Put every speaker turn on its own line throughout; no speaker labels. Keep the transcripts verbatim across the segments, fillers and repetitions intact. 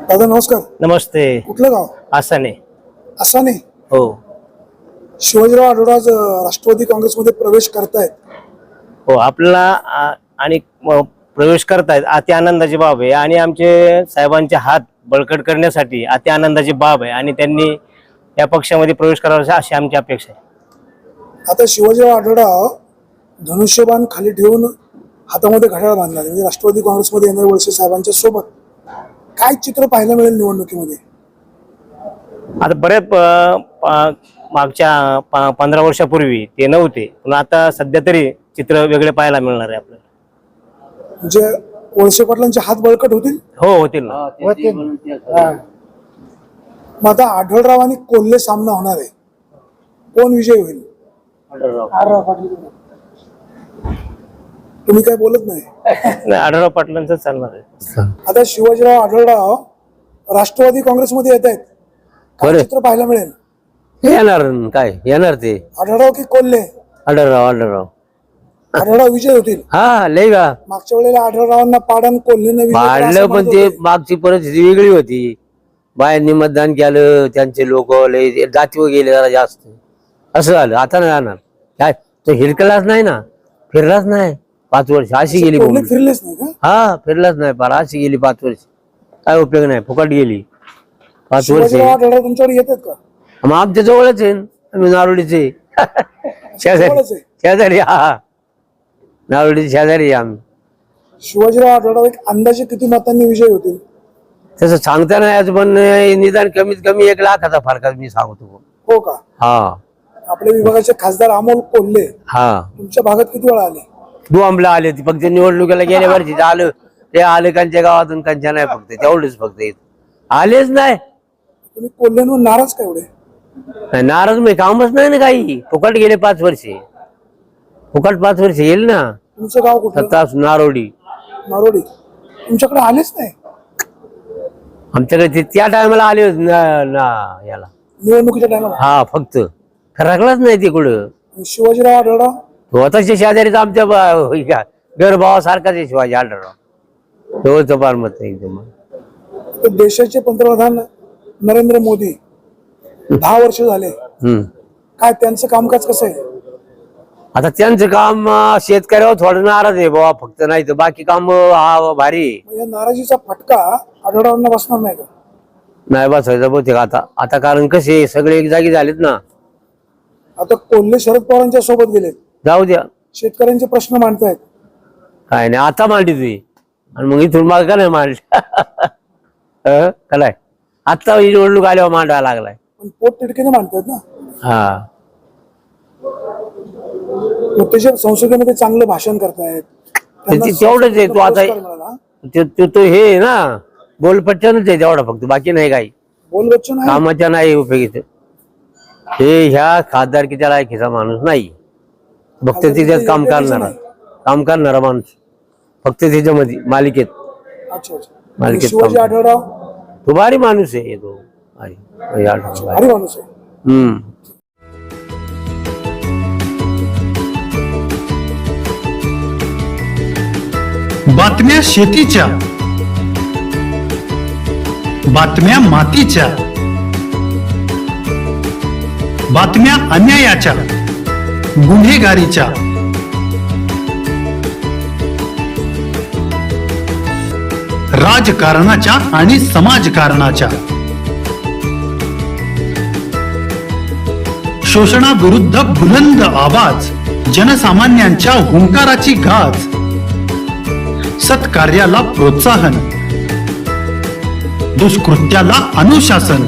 दादा नमस्कार.
नमस्ते.
कुठलं गाव?
आसाने.
आसाने.
हो.
शिवाजीराव आढळराव आज राष्ट्रवादी काँग्रेसमध्ये प्रवेश करतायत.
हो, आपल्याला आ- आणि म- प्रवेश करतायत अति आनंदाची बाब आहे आणि आमचे साहेबांचे हात बळकट करण्यासाठी अति आनंदाची बाब आहे आणि त्यांनी या पक्षामध्ये प्रवेश करावा अशी आमची अपेक्षा आहे.
आता शिवाजीराव आढळराव धनुष्यबाण खाली ठेवून हातामध्ये घड्याळ बांधला म्हणजे राष्ट्रवादी काँग्रेसमध्ये येणारे वळसे साहेबांच्या सोबत काय चित्र पाहायला मिळेल निवडणुकीमध्ये?
आता बरेच प- प- मागच्या प- पंधरा वर्षापूर्वी ते नव्हते, पण आता सध्या तरी चित्र वेगळे पाहायला मिळणार आहे आपल्याला.
म्हणजे वळसे पाटलांचे हात बळकट होतील.
हो, होतील ना.
मग आता आढळराव आणि कोल्हे सामना होणार आहे, कोण विजय होईल? तुम्ही काय बोलत नाही.
नाही, आढळराव पाटलांचं चालणार आहे.
आता शिवाजीराव आढळराव राष्ट्रवादी काँग्रेसमध्ये येत आहेत, काय चित्र पाहायला मिळेल?
येणार न काय येणार ते
आढळराव की कोल्हे?
आढळराव आढळराव
आढळराव विजय होतील.
हा लय का
मागच्या वेळेला आढळरावांना पाडण कोल्हेने विजय केला असं
पाडलं, पण
म्हणत
ते
होते.
मागची परिस्थिती वेगळी होती. बायांनी मतदान केलं, त्यांचे लोक लय जातीवर गेले जरा जास्त, असं झालं. आता नाही जाणार काय, तो हिरकलाच नाही ना, फिरलाच नाही पाच वर्ष, अशी गेली
कोल्हे
बोंबली.
फिरलेच नाही का?
हा फिरलाच नाही पार, अशी गेली पाच वर्ष, काय उपयोग नाही, फुकट गेली पाच वर्ष.
शिवाजीराव आढळराव तुमच्याकडे येतात का?
मग आमच्या जवळच आहे न, आम्ही नारोडीचे शेजारी
जवळच आहे.
शेजारी हा नारोडीचे शेजारी आहे आम्ही.
शिवाजीराव आढळराव एक अंदाजे किती मतांनी विजय होतील?
तसं सांगता नाही याचं, पण निदान कमीत कमी एक लाखाचा फरक मी सांगतो.
हो का?
हा
आपल्या विभागाचे खासदार अमोल कोल्हे
हा
तुमच्या भागात किती वेळा आले?
दुआंबला आले ती फक्त निवडणुकीला गेल्या वर्षी आलं ते आलं, कांच्या गावातून कांच्या नाही, फक्त तेवढेच, फक्त इथं आलेच नाही.
तुम्ही कोल्हेंवर नाराज का एवढे?
नाही, नाराज मी कामच नाही ना काही, फुकट गेले पाच वर्षे, फुकट पाच वर्ष येईल ना.
तुमचं गाव कुठलं?
सत्तास नारोडी.
नारोडी. तुमच्याकडे आलेच नाही
आमच्याकडे ते त्या टायमाला आले होते ना ना याला,
निवडणुकीच्या टायमाला.
हा फक्त फरकलाच नाही ते कुठं.
शिवाजीराव आढळराव
तो आता शेजारीच आमच्या गरभावासारखाच आहे शिवाजी आढळराव, जवळचं फार मत आहे एकदम.
तर देशाचे पंतप्रधान नरेंद्र मोदी दहा वर्ष झाले,
हम्म
काय त्यांचं कामकाज कसं आहे?
आता त्यांचं काम अं, शेतकऱ्यावर थोडं नाराज आहे बाबा, फक्त नाही तर बाकी काम अं, हा भारी आहे.
मग या नाराजीचा फटका आढळरावांना बसणार नाही का?
नाही बसायचं बहुतेक आता आता कारण कसे सगळे एक जागी झालेत ना.
आता कोल्हे शरद पवारांच्या सोबत गेले,
जाऊ द्या,
शेतकऱ्यांचे प्रश्न मांडतायत.
काय नाही आता मांडली तुझी, आणि मग इथून माग का नाही मांडली काय आता ही निवडणूक आल्यावर मांडायला लागलाय.
पण पोट तिडकीने मांडतायत ना.
हा
मग त्याच्या संसदेमध्ये चांगलं भाषण करतायत, त्यांना
ते- तेवढंच आहे. तो आता
पुरस्कार मिळाला.
तो तो- तो हे आहे ना, बोलपट्ट्यानच आहे तेवढा, फक्त बाकी नाही काही
बोल बच्चन आहे.
कामाच्या नाही उपयोगीच. हे ह्या खासदारकीच्या लायकीचा माणूस नाही, फक्त तिच्यात काम करणारा काम करणारा माणूस, फक्त त्याच्यामध्ये मालिकेत
अच्छा अच्छा.
मालिकेत
शिवाजी
काम.
आढळराव
तो भारी माणूस आहे तो, भारी भारी आढळराव.
भारी माणूस आहे.
हम्म
बातम्या शेतीच्या, बातम्या मातीच्या, बातम्या अन्यायाच्या, गुन्हेगारीच्या, राजकारणाच्या आणि समाजकारणाच्या, शोषणाविरुद्ध बुलंद आवाज, जनसामान्यांच्या हुंकाराची गाज, सत्कार्याला प्रोत्साहन, दुष्कृत्याला अनुशासन,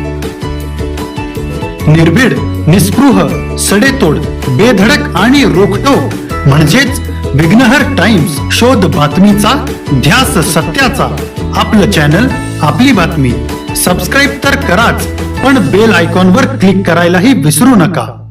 निर्भीड, निस्पृह, सडेतोड, बेधडक आणि रोखटोक म्हणजेच विघ्नहर टाइम्स. शोध बातमीचा, ध्यास सत्याचा. आपलं चॅनल, आपली बातमी. सबस्क्राईब तर कराच, पण बेल आयकॉनवर क्लिक करायलाही विसरू नका.